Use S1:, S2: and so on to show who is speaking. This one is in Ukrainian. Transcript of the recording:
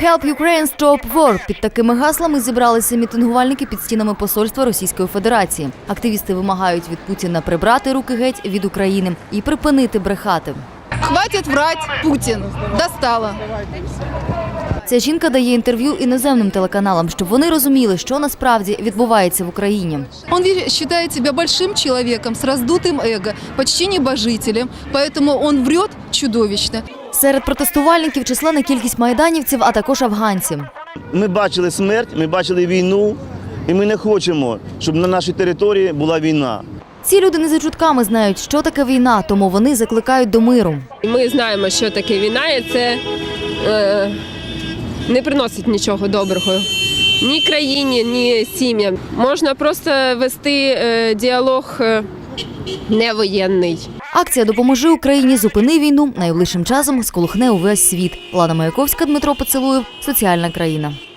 S1: Help Ukraine Stop War. Під такими гаслами зібралися мітингувальники під стінами посольства Російської Федерації. Активісти вимагають від Путіна прибрати руки геть від України і припинити брехати.
S2: Хватить врать, Путін. Достало.
S1: Ця жінка дає інтерв'ю іноземним телеканалам, щоб вони розуміли, що насправді відбувається в Україні.
S2: Он считает себя большим человеком с раздутым эго, почти небожителем, поэтому он врет чудовищно.
S1: Серед протестувальників численна кількість майданівців, а також афганців.
S3: Ми бачили смерть, ми бачили війну, і ми не хочемо, щоб на нашій території була війна.
S1: Ці люди не за чутками знають, що таке війна, тому вони закликають до миру.
S4: Ми знаємо, що таке війна, і це не приносить нічого доброго ні країні, ні сім'ям. Можна просто вести діалог невоєнний.
S1: Акція «Допоможи Україні, зупини війну» найближчим часом сколихне увесь світ. Лана Маяковська, Дмитро Поцілуєв, Соціальна країна.